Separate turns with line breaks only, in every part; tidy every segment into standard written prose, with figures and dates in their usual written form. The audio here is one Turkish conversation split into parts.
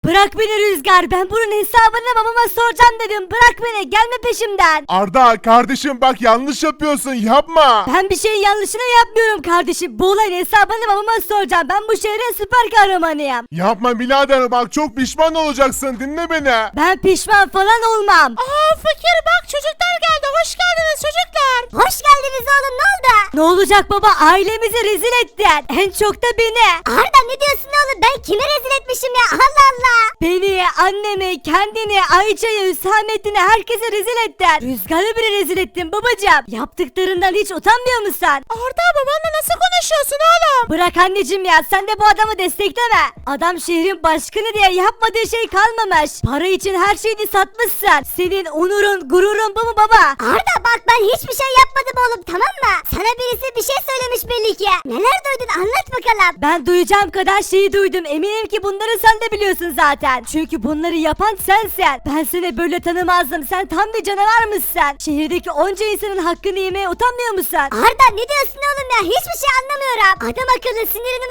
Bırak beni Rüzgar, ben bunun hesabını babama soracağım dedim. Bırak beni, gelme peşimden.
Arda kardeşim bak yanlış yapıyorsun yapma.
Ben bir şeyin yanlışını yapmıyorum kardeşim. Bu olayın hesabını babama soracağım. Ben bu şehrin süper kahramanıyım.
Yapma birader bak çok pişman olacaksın dinle beni.
Ben pişman falan olmam.
Aa fakir bak çocuklar geldi. Hoş geldiniz çocuklar.
Hoş geldiniz oğlum, ne oldu? Ne olacak baba, ailemizi rezil ettin. En çok da beni.
Arda ne diyorsun oğlum, ben kimi rezil etmişim ya, Allah Allah.
Beni, annemi, kendini, Ayça'yı, Hüsamettin'i, herkese rezil ettin. Rüzgar'ı bile rezil ettin babacığım. Yaptıklarından hiç utanmıyor musun?
Arda babanla nasıl konuşuyorsun oğlum?
Bırak anneciğim ya, sen de bu adamı destekleme. Adam şehrin başkanı diye yapmadığı şey kalmamış. Para için her şeyini satmışsın. Senin onurun, gururun bu mu baba?
Arda bak, ben hiçbir şey yapmadım oğlum, tamam mı? Sana birisi bir şey söylemiş belli ki. Neler duydun, anlat bakalım.
Ben duyacağım kadar şeyi duydum. Eminim ki bunları sen de biliyorsun zaten. Çünkü bunları yapan sensin. Ben seni böyle tanımazdım. Sen tam bir canavar mısın? Şehirdeki onca insanın hakkını yemeye utanmıyor musun?
Arda ne diyorsun oğlum ya, hiçbir şey anlamıyorum. Adam akıllı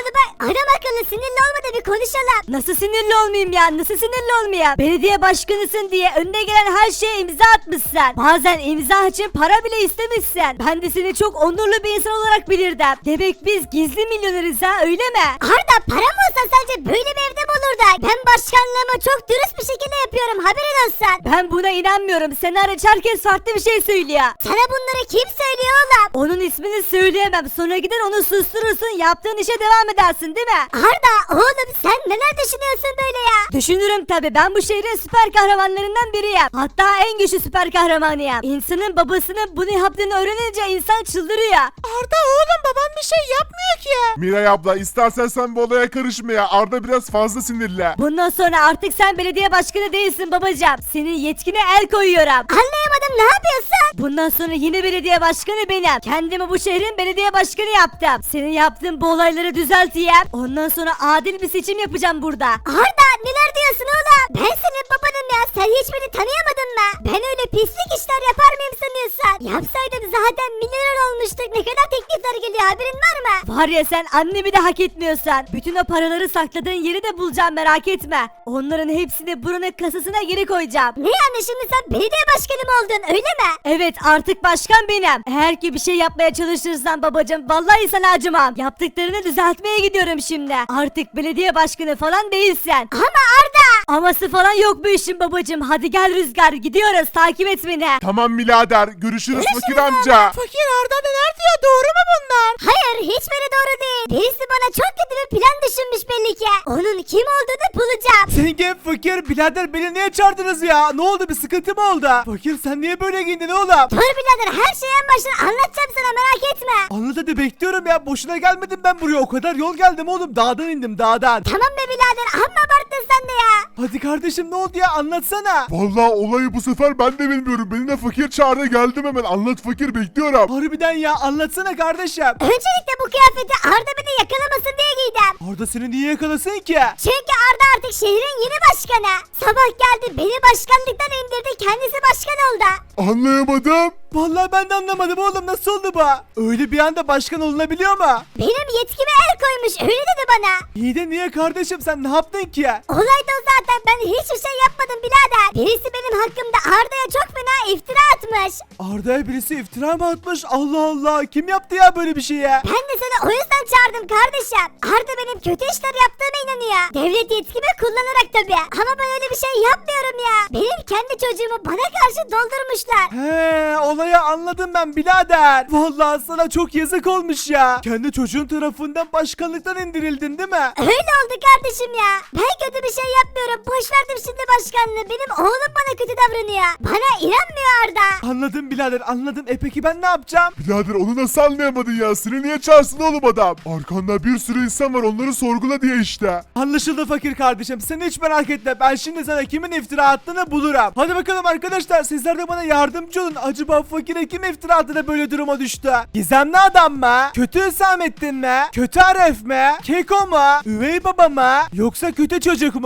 sinirli olma da bir konuşalım.
Nasıl sinirli olmayayım ya? Nasıl sinirli olmayayım? Belediye başkanısın diye önüne gelen her şeye imza atmışsın. Bazen imza için para bile istemişsin. Ben de seni çok onurlu bir insan olarak bilirdim. Demek biz gizli milyoneriz ha, öyle mi?
Arda param olsa sence böyle bir evde mi olurdu? Ben başkanlığımı çok dürüst bir şekilde yapıyorum, haberin olsun.
Ben buna inanmıyorum. Sen hariç herkes farklı bir şey söylüyor.
Sana bunları kim söylüyor oğlum?
Onun ismini söyleyemem. Sonra gider onu susturursun. Yaptığın işe devam edersin değil mi?
Arda oğlum, sen neler düşünüyorsun böyle ya?
Düşünürüm tabi. Ben bu şehrin süper kahramanlarından biriyim. Hatta en güçlü süper kahramanıyım. İnsanın babasının bunu yaptığını öğrenince insan çıldırıyor.
Arda oğlum baban bir şey yapmıyor ki.
Miray abla istersen sen bu olaya karışma ya. Arda biraz fazla sinirli.
Bundan sonra artık sen belediye başkanı değilsin babacığım. Senin yetkine el koyuyorum.
Anlayamadım, ne yapıyorsun?
Bundan sonra yeni belediye başkanı benim. Kendimi bu şehrin belediye başkanı yaptım. Senin yaptığın bu olayları düzelteyim. Ondan sonra adil bir seçim yapacağım burada.
Arda neler diyorsun oğlum? Ben senin babanım ya, sen hiç beni tanıyamadın mı? Ben öyle pislik işler yapar mıyım sanıyorsun? Yapsaydım zaten milyoner olmuştuk, ne kadar teklifler geliyor, haberin var mı?
Var ya, sen annemi de hak etmiyorsan. Bütün o paraları sakladığın yeri de bulacağım, merak etme. Onların hepsini buranın kasasına geri koyacağım.
Ne yani, şimdi sen belediye başkanı mı oldun, öyle mi?
Evet, artık başkan benim. Eğer ki bir şey yapmaya çalışırsan babacığım, vallahi sana acımam. Yaptıklarını düzeltmeye gidiyorum şimdi. Artık belediye başkanı falan değilsin.
Ama Arda!
Aması falan yok bu işin babacığım. Hadi gel Rüzgar, gidiyoruz, takip et beni.
Tamam birader görüşürüz fakir amca.
Fakir Arda neler diyor, doğru mu bunlar?
Hayır, hiçbiri doğru değil. Birisi bana çok kötü bir plan düşünmüş belli ki. Onun kim olduğunu bulacağım.
Zengin fakir birader beni niye çağırdınız ya? Ne oldu, bir sıkıntı mı oldu? Fakir sen niye böyle giyindin oğlum?
Dur birader, her şeyi en baştan anlatacağım sana, merak etme.
Anlat hadi, bekliyorum ya, boşuna gelmedim ben buraya, o kadar yol geldim oğlum, dağdan indim dağdan.
Tamam be birader, amma abarttın sen de ya.
Hadi kardeşim ne oldu ya, anlatsana.
Vallahi olayı bu sefer ben de bilmiyorum. Beni de fakir çağırdı geldim hemen. Anlat fakir bekliyorum.
Harbiden ya, anlatsana kardeşim.
Öncelikle bu kıyafeti Arda beni yakalamasın diye giydim.
Orada seni niye yakalasın ki?
Çünkü Arda artık şehrin yeni başkanı. Sabah geldi, beni başkanlıktan indirdi, kendisi başkan oldu.
Anlayamadım.
Vallahi ben de anlamadım oğlum, nasıl oldu bu? Öyle bir anda başkan olunabiliyor mu?
Benim yetkime el koymuş, öyle dedi bana.
İyi de niye kardeşim, sen ne yaptın ki?
Olay da o zaten, ben hiçbir şey yapmadım birader. Birisi benim hakkımda Arda'ya çok fena iftira atmış.
Arda'ya birisi iftira mı atmış? Allah Allah, kim yaptı ya böyle bir şey ya?
Ben de seni o yüzden çağırdım kardeşim. Arda benim kötü işler yaptığıma inanıyor. Devlet yetkimi kullanarak tabii. Ama ben öyle bir şey yapmıyorum ya. Benim kendi çocuğumu bana karşı doldurmuşlar.
He, olayı anladım ben birader. Vallahi sana çok yazık olmuş ya. Kendi çocuğun tarafından başkanlıktan indirildin değil mi?
Öyle oldu kardeşim ya. Ben kötü bir şey yapmıyorum. Boş verdim şimdi başkanlığı. Benim oğlum bana kötü davranıyor. Bana inanmıyor Arda.
Anladım birader, anladım. Peki ben ne yapacağım?
Birader onu nasıl anlayamadın ya? Seni niye çağırsın oğlum adam? Arkanda bir sürü insan var onları sorgula diye işte.
Anlaşıldı fakir kardeşim. Sen hiç merak etme. Ben şimdi sana kimin iftira attığını bulurum. Hadi bakalım arkadaşlar, sizler de bana yardımcı olun. Acaba fakire kim iftira attı böyle duruma düştü? Gizemli adam mı? Kötü Hüsamettin mi? Kötü Aref mi? Keko mu? Üvey baba mı? Yoksa kötü çocuk mu? Hadi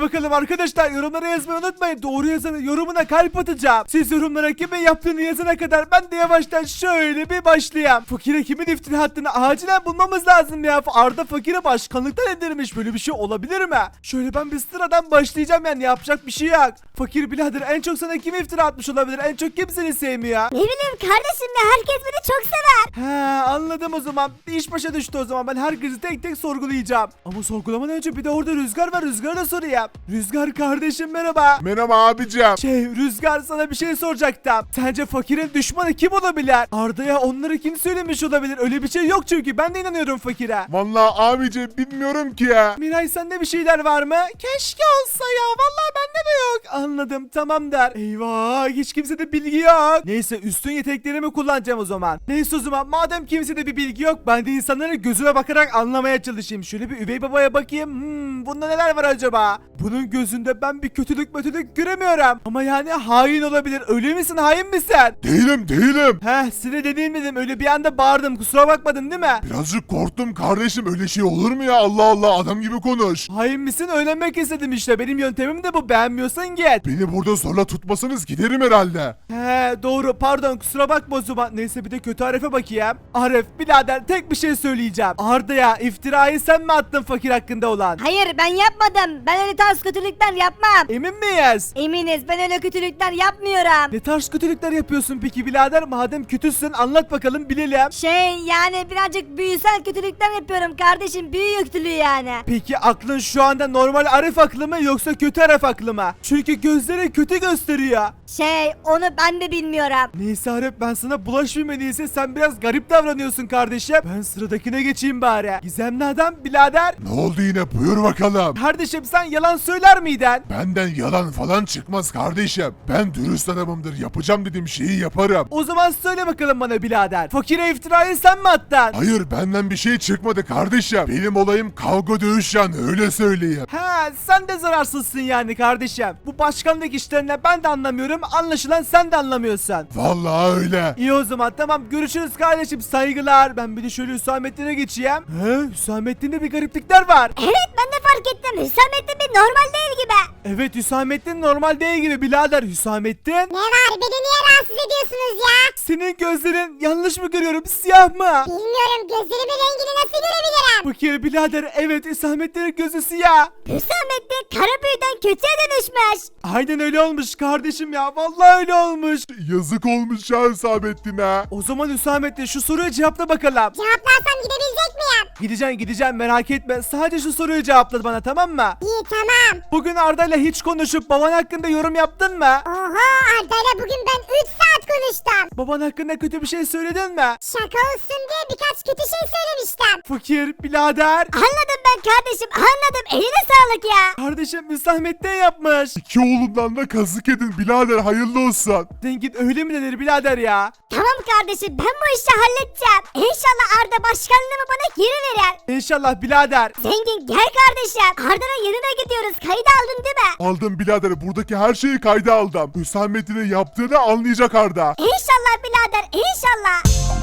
Hadi bakalım arkadaşlar, yorumlara yazmayı unutmayın. Doğru yazanın yorumuna kalp atacağım. Siz yorumlara kimin yaptığını yazana kadar ben de yavaştan şöyle bir başlayayım. Fakire kimin iftira attığını acilen bulmamız lazım ya. Arda Fakir'e başkanlıktan indirmiş. Böyle bir şey olabilir mi? Şöyle ben bir sıradan başlayacağım, yani yapacak bir şey yok. Fakir birader, en çok sana kim iftira atmış olabilir? En çok kim seni sevmiyor?
Ne bileyim kardeşim ya, herkes beni çok sever.
He, anladım o zaman. Bir iş başa düştü o zaman. Ben herkesi tek tek sorgulayacağım. Ama sorgulamadan önce bir de orada Rüzgar var. Rüzgar'a da sorayım. Rüzgar kardeşim merhaba.
Merhaba abicim.
Rüzgar, sana bir şey soracaktım. Sence Fakir'in düşmanı kim olabilir? Arda'ya onları kim söylemiş olabilir? Öyle bir şey yok çünkü. Ben de inanıyorum Fakir'e.
Vallahi abicim bilmiyorum ki ya.
Miray, sende bir şeyler var mı? Keşke olsa ya. Vallahi bende de yok. Anladım, tamam der. Eyvah, hiç kimsede bilgi yok. Neyse, üstün yeteneklerimi kullanacağım o zaman. Neyse o zaman, madem kimsede bir bilgi yok, ben de insanların gözüne bakarak anlamaya çalışayım. Şöyle bir üvey babaya bakayım. Bunda neler var acaba? Bunun gözünde ben bir kötülük göremiyorum. Ama yani hain olabilir. Öyle misin, hain misin?
Değilim.
Size dediğim dedim, öyle bir anda bağırdım, kusura bakmadın değil mi?
Birazcık korktum kardeşim, öyle şey olur mu ya? Allah Allah, adam gibi konuş.
Hain misin, öğrenmek istedim işte. Benim yöntemim de bu, beğenmiyorsan git.
Beni burada zorla tutmasanız giderim herhalde.
Doğru, pardon, kusura bakma o zaman. Neyse, bir de kötü Arif'e bakayım. Arif birader, tek bir şey söyleyeceğim. Arda'ya iftirayı sen mi attın Fakir hakkında olan?
Hayır, ben yapmadım. Ben öyle tarz kötülükler yapmam.
Emin miyiz?
Eminiz, ben öyle kötülükler yapmıyorum.
Ne tarz kötülükler yapıyorsun peki birader? Madem kötüsün, anlat bakalım, bilelim.
Yani birazcık büyüsel kötülükler yapıyorum kardeşim. Büyü kötülüğü yani.
Peki aklın şu anda normal Arif aklı mı yoksa kötü Arif aklı mı? Çünkü gözleri kötü gösteriyor.
Onu ben de bilmiyorum.
Neyse Arif, ben sana bulaşmayayım, en iyisi sen biraz garip davranıyorsun kardeşim. Ben sıradakine geçeyim bari. Gizemli adam birader.
Ne oldu yine, buyur bakalım.
Kardeşim, sen yalan söyler miydin?
Benden yalan falan çıkmaz kardeşim. Ben dürüst adamımdır, yapacağım dediğim şeyi yaparım.
O zaman söyle bakalım bana birader. Fakire iftirayı sen mi attın?
Hayır, benden bir şey çıkmadı kardeşim. Benim olayım kavga dövüş, yani öyle söyleyeyim.
Sen de zararsızsın yani kardeşim. Bu başkanlık işlerine ben de anlamıyorum. Anlaşılan sen de anlamıyorsun.
Vallahi öyle.
İyi o zaman, tamam, görüşürüz kardeşim, saygılar. Ben bir de şöyle Hüsamettin'e geçeyim. Hüsamettin'de bir gariplikler var.
Evet, ben de fark ettim. Hüsamettin bir normal değil gibi.
Evet, Hüsamettin normal değil gibi birader. Hüsamettin,
Ne var? Beni niye rahatsız ediyorsunuz ya?
senin gözlerin yanlış mı görüyorum, siyah mı?
Bilmiyorum, gözlerimin rengini nasıl görebilirim?
Fakir birader, evet, Hüsamettin'in gözü siyah.
Hüsamettin kara büyüden kötüye dönüşmüş.
Aynen öyle olmuş kardeşim ya, vallahi öyle olmuş.
Yazık olmuş ya Hüsamettin'e.
O zaman Hüsamettin, şu soruyu cevapla bakalım.
Cevaplarsam gidebilecek miyim?
Gideceğim, merak etme. Sadece şu soruyu cevapla bana, tamam mı?
İyi, tamam.
Bugün Arda'yla hiç konuşup baban hakkında yorum yaptın mı?
Oha, Arda'yla bugün ben 3 saat konuştum.
Baban hakkında kötü bir şey söyledin mi?
Şaka olsun diye birkaç kötü şey söylemiştim.
Fakir birader.
Anladım ben kardeşim, anladım. Eline sağlık ya.
Kardeşim, Hüsamettin yapmış.
İki oğlumdan da kazık edin birader, hayırlı olsun.
Zengin öyle mi denir birader ya?
Tamam kardeşim, ben bu işi halledeceğim. İnşallah Arda başkanlığımı bana geri verir.
İnşallah birader.
Zengin gel kardeşim. Arda'nın yanına gidiyoruz. Kayıt aldın değil mi?
Aldım birader, buradaki her şeyi kayda aldım. Hüsamettin'e yaptığını anlayacak Arda.
İnşallah birader, inşallah.